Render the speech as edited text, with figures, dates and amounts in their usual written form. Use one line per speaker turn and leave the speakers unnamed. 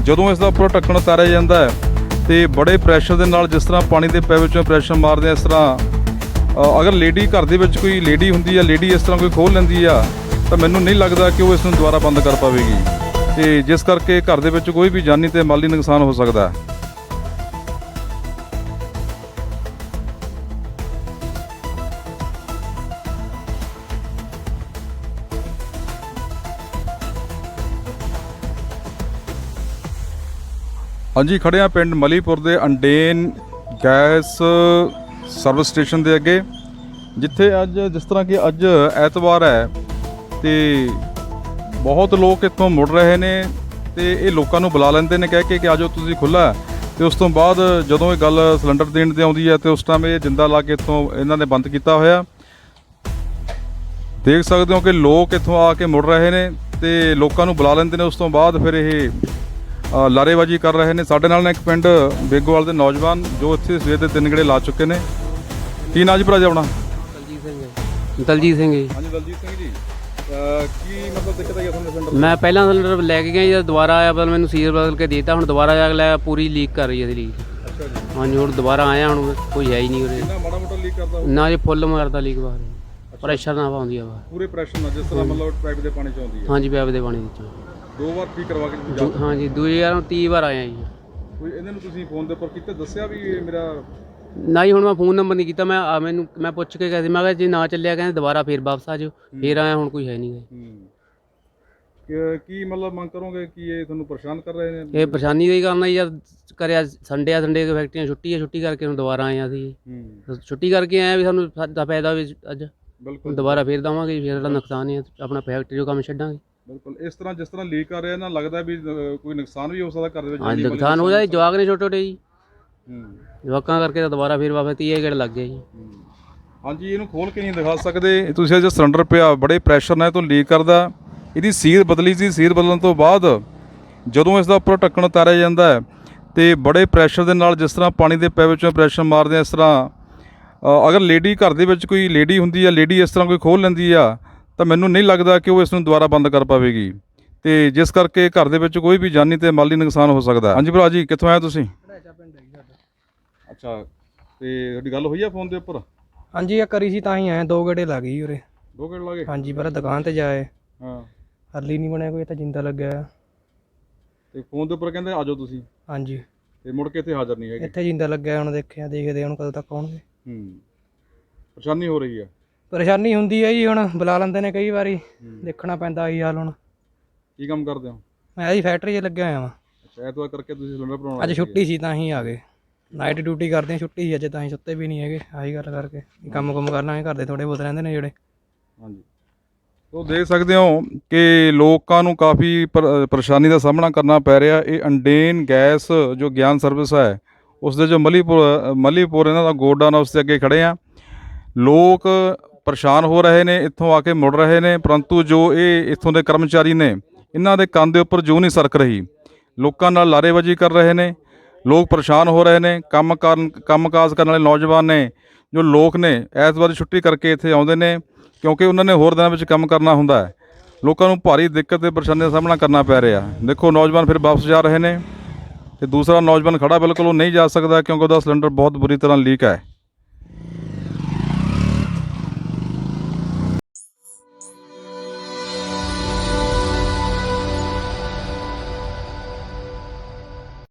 ਜਦੋਂ ਇਸ ਦਾ ਉੱਪਰ ਢੱਕਣ ਉਤਾਰਿਆ ਜਾਂਦਾ ਹੈ ਤੇ ਬੜੇ ਪ੍ਰੈਸ਼ਰ ਦੇ ਨਾਲ, ਜਿਸ ਤਰ੍ਹਾਂ ਪਾਣੀ ਦੇ ਪੈਪ ਵਿੱਚੋਂ ਪ੍ਰੈਸ਼ਰ ਮਾਰਦੇ ਆ, ਇਸ ਤਰ੍ਹਾਂ ਅਗਰ ਲੇਡੀ ਘਰ ਦੇ ਵਿੱਚ ਕੋਈ ਲੇਡੀ ਹੁੰਦੀ ਆ, ਲੇਡੀ ਇਸ ਤਰ੍ਹਾਂ ਕੋਈ ਖੋਲ੍ਹ ਲੈਂਦੀ ਆ, ਤਾਂ ਮੈਨੂੰ ਨਹੀਂ ਲੱਗਦਾ ਕਿ ਉਹ ਇਸ ਨੂੰ ਦੁਬਾਰਾ ਬੰਦ ਕਰ ਪਾਵੇਗੀ, ਤੇ ਜਿਸ ਕਰਕੇ ਘਰ ਦੇ ਵਿੱਚ ਕੋਈ ਵੀ ਜਾਨੀ ਤੇ ਮਾਲੀ ਨੁਕਸਾਨ ਹੋ ਸਕਦਾ ਹੈ। ਹਾਂਜੀ, ਖੜ੍ਹੇ ਹਾਂ ਪਿੰਡ ਮਲੀਪੁਰ ਦੇ ਅੰਡੇਨ ਗੈਸ ਸਰਵਿਸ ਸਟੇਸ਼ਨ ਦੇ ਅੱਗੇ, ਜਿੱਥੇ ਅੱਜ ਜਿਸ ਤਰ੍ਹਾਂ ਕਿ ਅੱਜ ਐਤਵਾਰ ਹੈ ਤੇ ਬਹੁਤ ਲੋਕ ਇੱਥੋਂ ਮੁੜ ਰਹੇ ਨੇ, ਤੇ ਇਹ ਲੋਕਾਂ ਨੂੰ ਬੁਲਾ ਲੈਂਦੇ ਨੇ ਕਹਿ ਕੇ ਕਿ ਆਜੋ ਤੁਸੀਂ ਖੁੱਲ੍ਹਾ, ਤੇ ਉਸ ਤੋਂ ਬਾਅਦ ਜਦੋਂ ਇਹ ਗੱਲ ਸਿਲੰਡਰ ਦੇਣ 'ਤੇ ਆਉਂਦੀ ਹੈ ਤੇ ਉਸ ਟਾਈਮ ਇਹ ਜਿੰਦਾ ਲਾ ਕੇ ਇੱਥੋਂ ਇਹਨਾਂ ਨੇ ਬੰਦ ਕੀਤਾ ਹੋਇਆ। ਦੇਖ ਸਕਦੇ ਹੋ ਕਿ ਲੋਕ ਇੱਥੋਂ ਆ ਕੇ ਮੁੜ ਰਹੇ ਨੇ ਤੇ ਲੋਕਾਂ ਨੂੰ ਬੁਲਾ ਲੈਂਦੇ ਨੇ, ਉਸ ਤੋਂ ਬਾਅਦ ਫਿਰ ਇਹ ਲਾਰੇਬਾਜ਼ੀ ਕਰ ਰਹੇ ਨੇ। ਸਾਡੇ ਨਾਲ ਇੱਕ ਪਿੰਡ ਬੇਗੋਵਾਲ ਦੇ ਨੌਜਵਾਨ ਜੋ ਇੱਥੇ ਸਵੇਰ ਦੇ 3 ਗੇੜੇ ਲਾ ਚੁੱਕੇ ਨੇ। ਕੀ ਨਾਂ ਜੀ ਭਰਾ ਜੀ ਆਪਣਾ?
ਦਲਜੀਤ ਸਿੰਘ ਜੀ।
ਹਾਂਜੀ ਦਲਜੀਤ ਸਿੰਘ ਜੀ, ਕੀ ਮਤਲਬ ਦਿੱਕਤ ਆਈ ਤੁਹਾਨੂੰ ਸਿਲੰਡਰ?
ਮੈਂ ਪਹਿਲਾਂ ਸਿਲੰਡਰ ਲੈ ਕੇ ਗਿਆ ਜੀ, ਦੁਬਾਰਾ ਆਇਆ ਬਦਲ ਮੈਨੂੰ ਸੀਰ ਬਦਲ ਕੇ ਦੇਤਾ, ਹੁਣ ਦੁਬਾਰਾ ਜਾ ਕੇ ਲੈ ਪੂਰੀ ਲੀਕ ਕਰ ਰਹੀ ਹੈ ਲੀਕ।
ਅੱਛਾ ਜੀ।
ਹਾਂਜੀ, ਹੁਣ ਦੁਬਾਰਾ ਆਇਆ, ਹੁਣ ਕੋਈ ਹੈ ਹੀ ਨਹੀਂ ਉਰੇ।
ਕਿੰਨਾ ਮਾੜਾ ਮੋਟਾ ਲੀਕ ਕਰਦਾ?
ਨਾ ਜੀ ਫੁੱਲ ਮਾਰਦਾ ਲੀਕ ਬਾਹਰ, ਪ੍ਰੈਸ਼ਰ ਨਾ ਪਾਉਂਦੀ ਆ ਬਾਹਰ,
ਪੂਰੇ ਪ੍ਰੈਸ਼ਰ ਨਾਲ, ਜਿਸ ਤਰ੍ਹਾਂ ਮਤਲਬ ਪਾਈਪ ਦੇ ਪਾਣੀ 'ਚ ਆਉਂਦੀ ਹੈ।
ਹਾਂਜੀ, ਪੈਪ ਦੇ ਪਾਣੀ ਵਿੱਚ।
2 ਵਾਰ ਠੀਕ ਕਰਵਾ ਕੇ
ਹਾਂਜੀ, 2030 ਵਾਰ ਆਇਆ ਜੀ।
ਕੋਈ ਇਹਨਾਂ ਨੂੰ ਤੁਸੀਂ ਫੋਨ ਦੇ ਉੱਪਰ ਕੀਤਾ, ਦੱਸਿਆ ਵੀ ਇਹ ਮੇਰਾ?
ਨਾ ਜੀ, ਹੁਣ ਮੈਂ ਫੋਨ ਨੰਬਰ ਨਹੀਂ ਕੀਤਾ, ਮੈਂ ਪੁੱਛ ਕੇ ਗਿਆ ਸੀ, ਮੈਂ ਕਿਹਾ ਜੇ ਨਾ ਚੱਲਿਆ ਕਹਿੰਦੇ ਦੁਬਾਰਾ ਫੇਰ ਵਾਪਸ ਆ ਜਾਓ, ਫੇਰ ਆਇਆ, ਹੁਣ ਕੋਈ ਹੈ ਨਹੀਂ।
ਕੀ ਮਤਲਬ ਮੰਗ ਕਰੋਗੇ ਕਿ ਇਹ ਤੁਹਾਨੂੰ ਪਰੇਸ਼ਾਨ ਕਰ ਰਹੇ ਨੇ?
ਇਹ ਪਰੇਸ਼ਾਨੀ ਦਾ ਹੀ ਕਰਨਾ ਜੀ, ਜਦ ਕਰਿਆ ਸੰਡੇ ਦੀ ਫੈਕਟਰੀਆਂ ਛੁੱਟੀ ਹੈ, ਛੁੱਟੀ ਕਰਕੇ ਹੁਣ ਦੁਬਾਰਾ ਆਏ ਅਸੀਂ। ਛੁੱਟੀ ਕਰਕੇ ਆਏ ਵੀ ਸਾਨੂੰ ਸਾਡਾ ਫਾਇਦਾ ਵੀ ਅੱਜ, ਬਿਲਕੁਲ ਦੁਬਾਰਾ ਫੇਰ ਦੇਵਾਂਗੇ, ਫੇਰ ਸਾਡਾ ਨੁਕਸਾਨ ਹੈ, ਆਪਣਾ ਫੈਕਟਰੀ ਜੋ ਕੰਮ ਛੱਡਾਂਗੇ।
ਬਿਲਕੁਲ, ਇਸ ਤਰ੍ਹਾਂ ਜਿਸ ਤਰ੍ਹਾਂ ਲੀਕ ਕਰ ਰਿਹਾ ਨਾ, ਲੱਗਦਾ ਵੀ ਕੋਈ ਨੁਕਸਾਨ ਵੀ ਹੋ ਸਕਦਾ ਘਰ ਦੇ ਵਿੱਚ।
ਹਾਂਜੀ, ਨੁਕਸਾਨ ਹੋ ਜਾਏ, ਜਵਾਕ ਨੇ ਛੋਟੇ ਛੋਟੇ ਜੀ, ਜਵਾਕਾਂ ਕਰਕੇ ਤਾਂ ਦੁਬਾਰਾ ਫੇਰ ਵਾਪਸ 30 ਗੇੜ ਲੱਗ ਗਿਆ ਜੀ।
ਹਾਂਜੀ, ਇਹਨੂੰ ਖੋਲ ਕੇ ਨਹੀਂ ਦਿਖਾ ਸਕਦੇ ਤੁਸੀਂ, ਜੋ ਸਿਲੰਡਰ ਪਿਆ ਬੜੇ ਪ੍ਰੈਸ਼ਰ ਨਾਲ ਇਹ ਤੋਂ ਲੀਕ ਕਰਦਾ। ਇਹਦੀ ਸੀਲ ਬਦਲੀ ਸੀ, ਸੀਲ ਬਦਲਣ ਤੋਂ ਬਾਅਦ ਜਦੋਂ ਇਸ ਦਾ ਉੱਪਰ ਢੱਕਣ ਉਤਾਰਿਆ ਜਾਂਦਾ ਹੈ ਤੇ ਬੜੇ ਪ੍ਰੈਸ਼ਰ ਦੇ ਨਾਲ, ਜਿਸ ਤਰ੍ਹਾਂ ਪਾਣੀ ਦੇ ਪੈਪ ਵਿੱਚੋਂ ਪ੍ਰੈਸ਼ਰ ਮਾਰਦੇ ਆ, ਇਸ ਤਰ੍ਹਾਂ ਅਗਰ ਲੇਡੀ ਘਰ ਦੇ ਵਿੱਚ ਕੋਈ ਲੇਡੀ ਹੁੰਦੀ ਆ, ਲੇਡੀ ਇਸ ਤਰ੍ਹਾਂ ਕੋਈ ਖੋਲ੍ਹ ਲੈਂਦੀ ਆ, ਤਾਂ ਮੈਨੂੰ ਨਹੀਂ ਲੱਗਦਾ ਕਿ ਉਹ ਇਸ ਨੂੰ ਦੁਬਾਰਾ ਬੰਦ ਕਰ ਪਾਵੇਗੀ, ਤੇ ਜਿਸ ਕਰਕੇ ਘਰ ਦੇ ਵਿੱਚ ਕੋਈ ਵੀ ਜਾਨੀ ਤੇ ਮਾਲੀ ਨੁਕਸਾਨ ਹੋ ਸਕਦਾ। ਹਾਂਜੀ ਭਰਾ ਜੀ, ਕਿੱਥੋਂ ਆਏ ਤੁਸੀਂ? ਅੱਛਾ, ਤੇ ਤੁਹਾਡੀ ਗੱਲ ਹੋਈ ਆ ਫੋਨ ਦੇ ਉੱਪਰ?
ਹਾਂਜੀ, ਇਹ ਕਰੀ ਸੀ ਤਾਂ ਹੀ ਆਏ, 2 ਗੇੜੇ ਲੱਗ ਗਈ ਉਰੇ।
2 ਗੇੜੇ ਲੱਗੇ?
ਹਾਂਜੀ, ਪਹਿਲਾਂ ਦੁਕਾਨ ਤੇ ਜਾਏ,
ਹਾਂ,
ਹਰਲੀ ਨਹੀਂ ਬਣਿਆ ਕੋਈ, ਤਾਂ ਜਿੰਦਾ ਲੱਗਿਆ,
ਤੇ ਫੋਨ ਦੇ ਉੱਪਰ ਕਹਿੰਦੇ ਆਜੋ ਤੁਸੀਂ,
ਹਾਂਜੀ,
ਤੇ ਮੁੜ ਕੇ ਇੱਥੇ ਹਾਜ਼ਰ ਨਹੀਂ ਹੈਗੇ।
ਇੱਥੇ ਜਿੰਦਾ ਲੱਗਿਆ, ਹੁਣ ਦੇਖਦੇ ਹੁਣ ਕਦੋਂ ਤੱਕ ਆਉਣਗੇ।
ਪਰੇਸ਼ਾਨੀ ਹੋ ਰਹੀ ਆ?
ਪਰੇਸ਼ਾਨੀ ਹੁੰਦੀ ਹੈ ਜੀ, ਹੁਣ ਬੁਲਾ ਲੈਂਦੇ ਨੇ ਕਈ ਵਾਰੀ, ਦੇਖਣਾ ਪੈਂਦਾ ਆਹੀ ਹਾਲ। ਹੁਣ
ਕੀ ਕੰਮ ਕਰਦੇ ਹੋ?
ਮੈਂ ਜੀ ਫੈਕਟਰੀ 'ਚ ਲੱਗਿਆ ਹੋਇਆ ਵਾਂ।
ਅੱਛਾ, ਐਤਵਾਰ ਕਰਕੇ ਤੁਸੀਂ ਸਿਲੰਡਰ ਬਣਾਉਣਾ?
ਅੱਜ ਛੁੱਟੀ ਸੀ ਤਾਂ ਹੀ ਆ ਗਏ, ਨਾਈਟ ਡਿਊਟੀ ਕਰਦੇ ਹਾਂ, ਛੁੱਟੀ ਸੀ ਅੱਜ, ਤਾਂ ਹੀ ਸੁੱਤੇ ਵੀ ਨਹੀਂ ਹੈਗੇ, ਆਹੀ ਗੱਲ ਕਰਕੇ ਕੰਮ ਕਰ ਲਾਂਗੇ, ਘਰ ਦੇ ਥੋੜ੍ਹੇ ਬਹੁਤ ਰਹਿੰਦੇ ਨੇ ਜਿਹੜੇ।
ਹਾਂਜੀ, ਉਹ ਦੇਖ ਸਕਦੇ ਹੋ ਕਿ ਲੋਕਾਂ ਨੂੰ ਕਾਫੀ ਪਰੇਸ਼ਾਨੀ ਦਾ ਸਾਹਮਣਾ ਕਰਨਾ ਪੈ ਰਿਹਾ। ਇਹ ਅੰਡੇਨ ਗੈਸ ਜੋ ਗਿਆਨ ਸਰਵਿਸ ਹੈ, ਉਸ ਦੇ ਜੋ ਮਲੀਪੁਰ ਇਹਨਾਂ ਦਾ ਗੋਡਾਊਨ, ਉਸ ਦੇ ਅੱਗੇ ਖੜ੍ਹੇ ਆ। ਲੋਕ ਪਰੇਸ਼ਾਨ ਹੋ ਰਹੇ ਨੇ, ਇੱਥੋਂ ਆ ਕੇ ਮੁੜ ਰਹੇ ਨੇ, ਪਰੰਤੂ ਜੋ ਇਹ ਇੱਥੋਂ ਦੇ ਕਰਮਚਾਰੀ ਨੇ, ਇਹਨਾਂ ਦੇ ਕੰਨ ਦੇ ਉੱਪਰ ਜੂੰ ਨਹੀਂ ਸਰਕ ਰਹੀ। ਲੋਕਾਂ ਨਾਲ ਲਾਰੇਬਾਜ਼ੀ ਕਰ ਰਹੇ ਨੇ, ਲੋਕ ਪਰੇਸ਼ਾਨ ਹੋ ਰਹੇ ਨੇ। ਕੰਮਕਾਜ ਕਰਨ ਵਾਲੇ ਨੌਜਵਾਨ ਨੇ, ਜੋ ਲੋਕ ਨੇ, ਐਤਵਾਰ ਦੀ ਛੁੱਟੀ ਕਰਕੇ ਇੱਥੇ ਆਉਂਦੇ ਨੇ, ਕਿਉਂਕਿ ਉਹਨਾਂ ਨੇ ਹੋਰ ਦਿਨਾਂ ਵਿੱਚ ਕੰਮ ਕਰਨਾ ਹੁੰਦਾ ਹੈ। ਲੋਕਾਂ ਨੂੰ ਭਾਰੀ ਦਿੱਕਤ ਤੇ ਪਰੇਸ਼ਾਨੀ ਦਾ ਸਾਹਮਣਾ ਕਰਨਾ ਪੈ ਰਿਹਾ। ਦੇਖੋ, ਨੌਜਵਾਨ ਫਿਰ ਵਾਪਸ ਜਾ ਰਹੇ ਨੇ, ਤੇ ਦੂਸਰਾ ਨੌਜਵਾਨ ਖੜਾ ਬਿਲਕੁਲ ਉਹ ਨਹੀਂ ਜਾ ਸਕਦਾ ਕਿਉਂਕਿ ਉਹਦਾ ਸਿਲੰਡਰ ਬਹੁਤ ਬੁਰੀ ਤਰ੍ਹਾਂ ਲੀਕ ਹੈ।